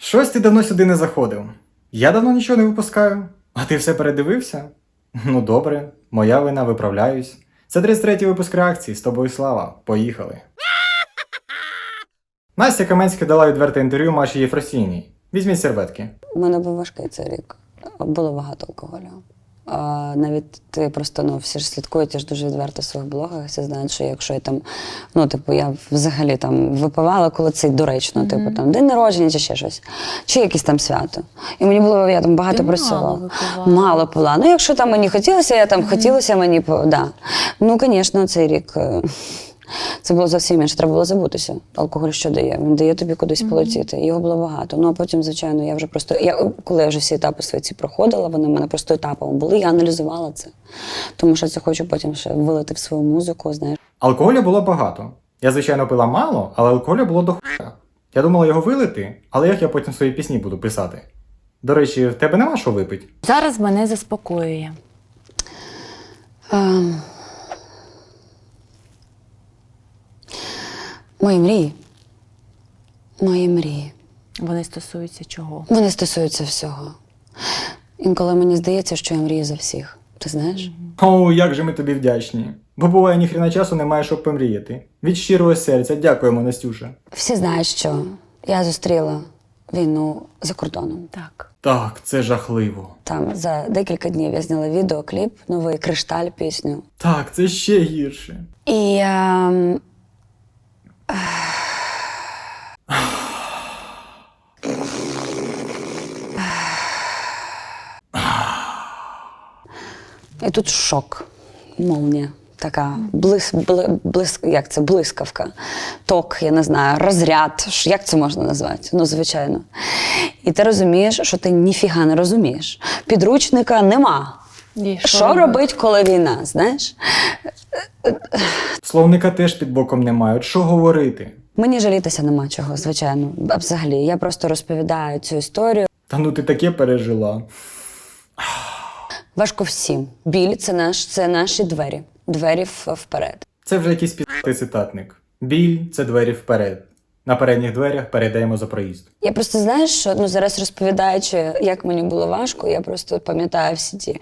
Щось ти давно сюди не заходив. Я давно нічого не випускаю. А ти все передивився? Ну добре, моя вина, виправляюсь. Це 33-й випуск реакції, з тобою слава. Поїхали. Настя Каменська дала відверте інтерв'ю Маші Єфросіній. Візьміть серветки. У мене був важкий цей рік. Було багато алкоголю. Навіть ти просто, всі ж слідкують, я ж дуже відверто в своїх блогах, всі знають, що якщо я там, я взагалі там випивала, коли це доречно, там день народження чи ще щось, чи якесь там свято. І мені було, я там багато працювала. Мало пила. Якщо там мені хотілося, хотілося мені, да. Звісно, цей рік... Це було зовсім інше, треба було забутися. Алкоголь що дає? Він дає тобі кудись полетіти. Його було багато. А потім, звичайно, я вже просто... Коли я вже всі етапи свої ці проходила, вони в мене просто етапами були, я аналізувала це. Тому що це хочу потім ще вилити в свою музику, знаєш. Алкоголю було багато. Я, звичайно, пила мало, але алкоголю було до хуя. Я думала його вилити, але як я потім свої пісні буду писати? До речі, в тебе нема що випити? Зараз мене заспокоює. Мої мрії. Мої мрії. Вони стосуються чого? Вони стосуються всього. Інколи мені здається, що я мрію за всіх. Ти знаєш? О, як же ми тобі вдячні. Бо буває, ніхрена часу немає, щоб помріяти. Від щирого серця дякуємо, Настюша. Всі знають, що я зустріла війну за кордоном. Так. Так, це жахливо. Там за декілька днів я зняла відеокліп, новий «Кришталь» пісню. Так, це ще гірше. І і тут шок, молнія, така блискавка, ток, я не знаю, розряд, як це можна назвати? Звичайно. І ти розумієш, що ти ніфіга не розумієш. Підручника нема. Що робить, коли війна, знаєш? Словника теж під боком немає, от що говорити? Мені жалітися нема чого, звичайно, взагалі. Я просто розповідаю цю історію. Та ти таке пережила. Важко всім. Біль – це наші двері. Двері вперед. Це вже якийсь пі***й цитатник. Біль – це двері вперед. На передніх дверях передаємо за проїзд. Я просто, знаєш, що зараз розповідаючи, як мені було важко, я просто пам'ятаю всі ті...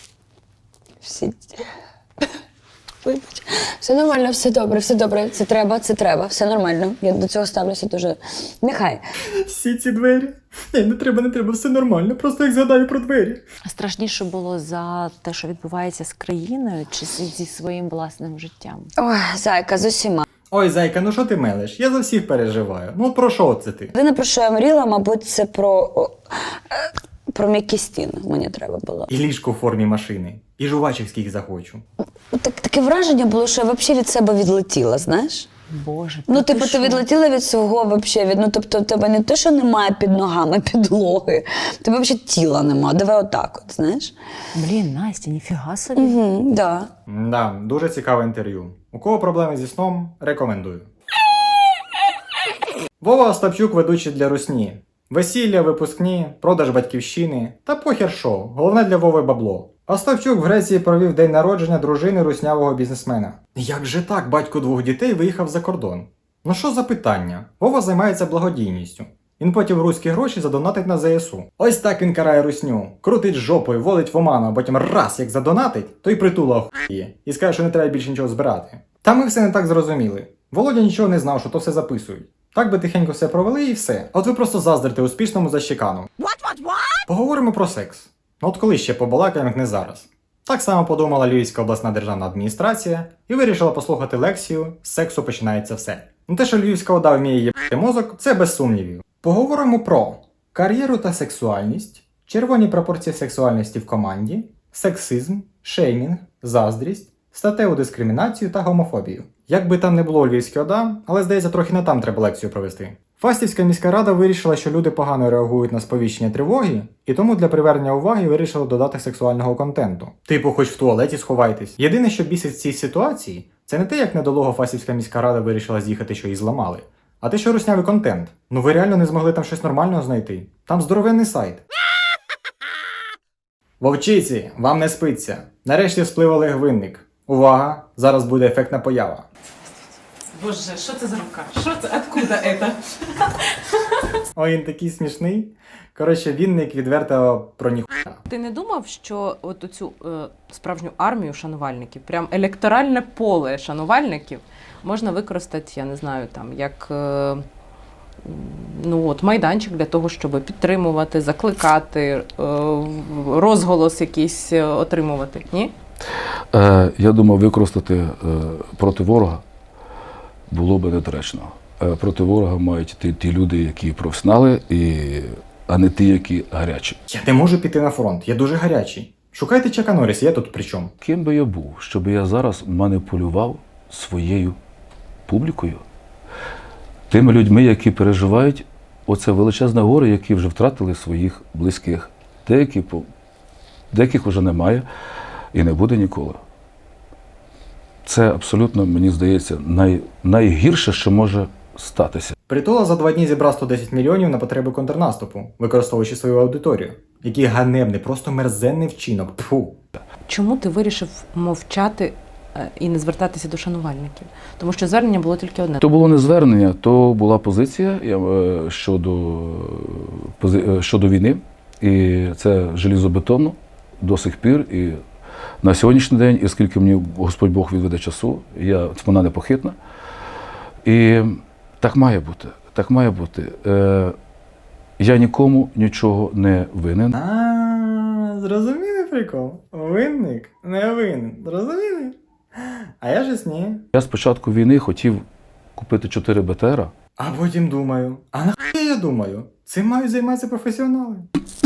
Вибач. Все нормально, все добре. Це треба, все нормально. Я до цього ставлюся дуже... Нехай. Всі ці двері? Ні, не треба, все нормально. Просто як згадаю про двері. Страшніше було за те, що відбувається з країною, чи зі своїм власним життям? Ой, зайка, з усіма. Ой, зайка, ну що ти мелеш? Я за всіх переживаю. Ну про що це ти? Єдине, про що я мріяла, мабуть, це про м'які стіни мені треба було. І ліжко в формі машини. І жувачок скільки захочу. Таке враження було, що я взагалі від себе відлетіла, знаєш? Боже, Ти відлетіла від свого взагалі. Тобто в тебе не те, що немає під ногами підлоги, в тебе взагалі тіла немає. Давай отак от, знаєш? Блін, Настя, ніфіга собі. Да. Да, дуже цікаве інтерв'ю. У кого проблеми зі сном, рекомендую. Вова Остапчук ведучий для русні. Весілля, випускні, продаж батьківщини та похер шоу. Головне для Вови бабло. Остапчук в Греції провів день народження дружини руснявого бізнесмена. Як же так, батько 2 дітей виїхав за кордон? Ну що за питання? Вова займається благодійністю. Він потім руські гроші задонатить на ЗСУ. Ось так він карає русню. Крутить жопою, волить в оману, а потім раз як задонатить, то й притула охує. І скаже, що не треба більше нічого збирати. Та ми все не так зрозуміли. Володя нічого не знав, що то все записують. Так би тихенько все провели і все. От ви просто заздрите успішному защекану. Поговоримо про секс. От коли ще побалакаємо, як не зараз. Так само подумала Львівська обласна державна адміністрація і вирішила послухати лекцію «З сексу починається все». Те, що Львівська ОДА вміє їбати мозок, це без сумнівів. Поговоримо про кар'єру та сексуальність, червоні пропорції сексуальності в команді, сексизм, шеймінг, заздрість, статеву дискримінацію та гомофобію. Як би там не було у Львівській ОДА, але здається, трохи не там треба лекцію провести. Фастівська міська рада вирішила, що люди погано реагують на сповіщення тривоги, і тому для привернення уваги вирішили додати сексуального контенту. Типу, хоч в туалеті сховайтесь. Єдине, що бісить в цій ситуації, це не те, як недолуго Фастівська міська рада вирішила з'їхати, що її зламали, а те, що руснявий контент. Ну ви реально не змогли там щось нормального знайти? Там здоровенний сайт. Вовчиці, вам не спиться. Нарешті сплив Олег Винник. Увага! Зараз буде ефектна поява. Боже, що це за рука? Що це? Откуда це? Ой, він такий смішний. Коротше, Вінник відверто про ніхуя. Ти не думав, що от оцю справжню армію шанувальників, прям електоральне поле шанувальників можна використати, я не знаю, там, як майданчик для того, щоб підтримувати, закликати, розголос якийсь отримувати, ні? Я думав, використати проти ворога було би недоречно. Проти ворога мають йти ті люди, які професіонали, а не ті, які гарячі. Я не можу піти на фронт, я дуже гарячий. Шукайте Чака Норріса, я тут при чому? Ким би я був, щоб я зараз маніпулював своєю публікою, тими людьми, які переживають оце величезне горе, які вже втратили своїх близьких. Деяких вже немає і не буде ніколи. Це абсолютно, мені здається, найгірше, що може статися. Притула за 2 дні зібрав 110 мільйонів на потреби контрнаступу, використовуючи свою аудиторію. Який ганебний, просто мерзенний вчинок. Тьфу. Чому Ти вирішив мовчати і не звертатися до шанувальників? Тому що звернення було тільки одне. То було не звернення, то була позиція щодо війни. І це желізобетонно до сих пір. І на сьогоднішній день, і скільки мені Господь Бог відведе часу, вона непохитна. І так має бути. Так має бути. Я нікому нічого не винен. Зрозуміли прикол? Винник не винен. Зрозуміли? А я ж ні. Я з початку війни хотів купити 4 БТРа. А потім думаю, а нахуя я думаю? Цим мають займатися професіонали.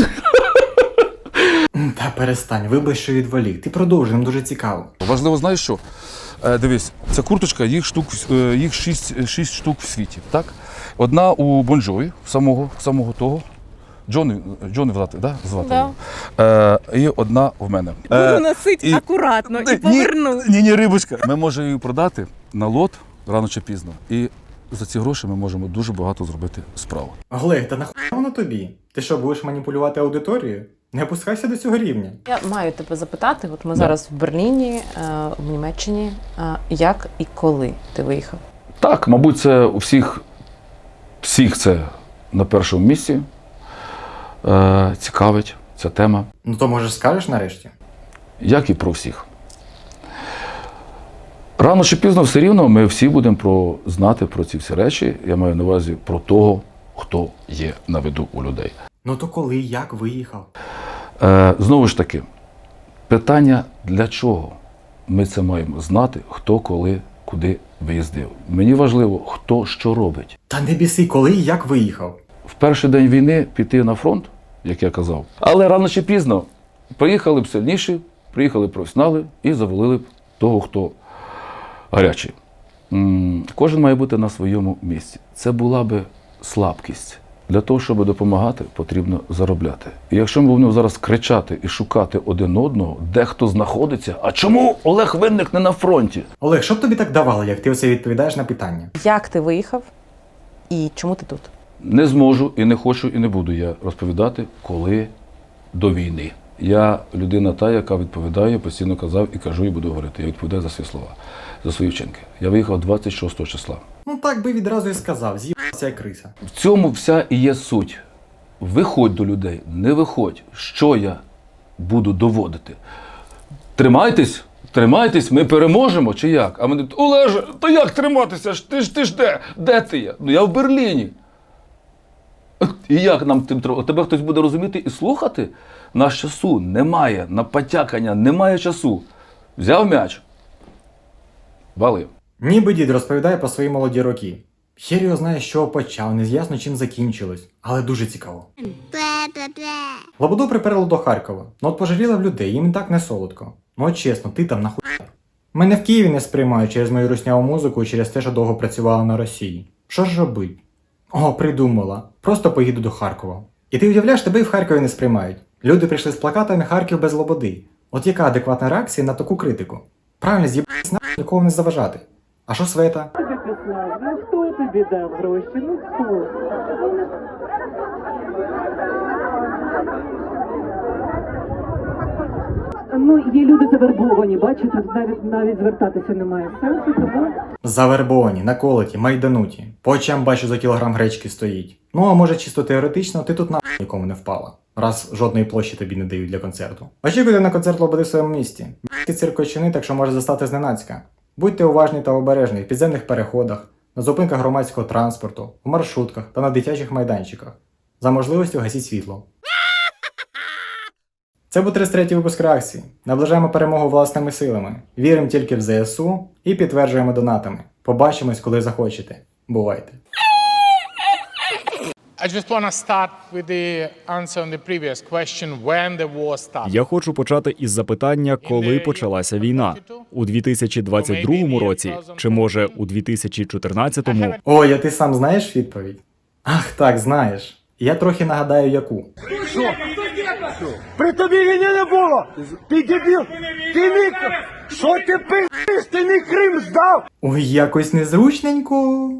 Та перестань, вибач, що відволік. Ти продовжуй, нам дуже цікаво. Важливо, знаєш що? Дивись, ця курточка, їх 6 штук в світі, так? Одна у Бон-Джові, самого того. Джони звати, да? І одна в мене. Буду носити акуратно і поверну. Ні, рибочка. Ми можемо її продати на лот рано чи пізно. І за ці гроші ми можемо дуже багато зробити справу. Олег, та нахуя воно тобі? Ти що, будеш маніпулювати аудиторією? Не опускайся до цього рівня. Я маю тебе запитати, от ми зараз в Берліні, в Німеччині, як і коли ти виїхав? Так, мабуть, це у всіх це на першому місці. Цікавить ця тема. Ну то може скажеш нарешті? Як і про всіх. Рано чи пізно все рівно ми всі будемо знати про ці всі речі. Я маю на увазі про того, хто є на виду у людей. Ну то коли, як виїхав? Знову ж таки, питання для чого? Ми це маємо знати, хто, коли, куди виїздив. Мені важливо, хто що робить. Та не біси, коли і як виїхав? В перший день війни піти на фронт, як я казав. Але рано чи пізно приїхали б сильніші, приїхали професіонали і завалили б того, хто гарячий. Кожен має бути на своєму місці. Це була би слабкість. Для того, щоб допомагати, потрібно заробляти. І якщо ми будемо зараз кричати і шукати один одного, де хто знаходиться, а чому Олег Винник не на фронті? Олег, що б тобі так давало, як ти оце відповідаєш на питання? Як ти виїхав і чому ти тут? Не зможу і не хочу і не буду я розповідати, коли до війни. Я людина та, яка відповідає, постійно казав і кажу, і буду говорити. Я відповідаю за свої слова, за свої вчинки. Я виїхав 26 числа. Ну так би відразу і сказав, з'їбався як криса. В цьому вся і є суть. Виходь до людей, не виходь. Що я буду доводити? Тримайтесь, ми переможемо чи як? А вони, Олеже, то як триматися? Ти ж де? Де ти є? Ну я в Берліні. І як нам тебе хтось буде розуміти і слухати? Наш часу немає, на потякання немає часу. Взяв м'яч, валив. Ніби дід розповідає про свої молоді роки. Хер його знає, з чого почав, не з'ясно, чим закінчилось. Але дуже цікаво. Лободу приперло до Харкова. Ну от пожаліла в людей, їм і так не солодко. Ну от чесно, ти там нахуя? Мене в Києві не сприймають через мою русняву музику і через те, що довго працювала на Росії. Що ж робить? О, придумала. Просто поїду до Харкова. І ти уявляєш, тебе і в Харкові не сприймають. Люди прийшли з плакатами «Харків без Лободи». От яка адекватна реакція на таку критику? Правильно, з'їбатись нахуй, нікого не заважати. А що Света? Ну хто тобі дав гроші? Ну хто? Ну, є люди завербовані, бачите, навіть звертатися немає сенсу, тому... Завербовані, наколоті, майдануті. По очам бачу за кілограм гречки стоїть. Ну а може чисто теоретично ти тут нахуй нікому не впала. Раз жодної площі тобі не дають для концерту. Очікуйте на концерт Лободи в своєму місті. Б***ки циркочини, так що може застати зненацька. Будьте уважні та обережні в підземних переходах, на зупинках громадського транспорту, в маршрутках та на дитячих майданчиках. За можливістю гасіть світло. Це був 33-й випуск реакції. Наближаємо перемогу власними силами. Віримо тільки в ЗСУ і підтверджуємо донатами. Побачимось, коли захочете. Бувайте. I just want to start with the answer on the previous question, when the war started. Я хочу почати із запитання, коли почалася війна. У 2022 році чи, може, у 2014-му? Ой, а ти сам знаєш відповідь? Ах так, знаєш. Я трохи нагадаю, яку. При тобі війни не було! Ти дебіл! Ти не... Що ти пи***ш? Ти не Крим здав! Ой, якось незручненько.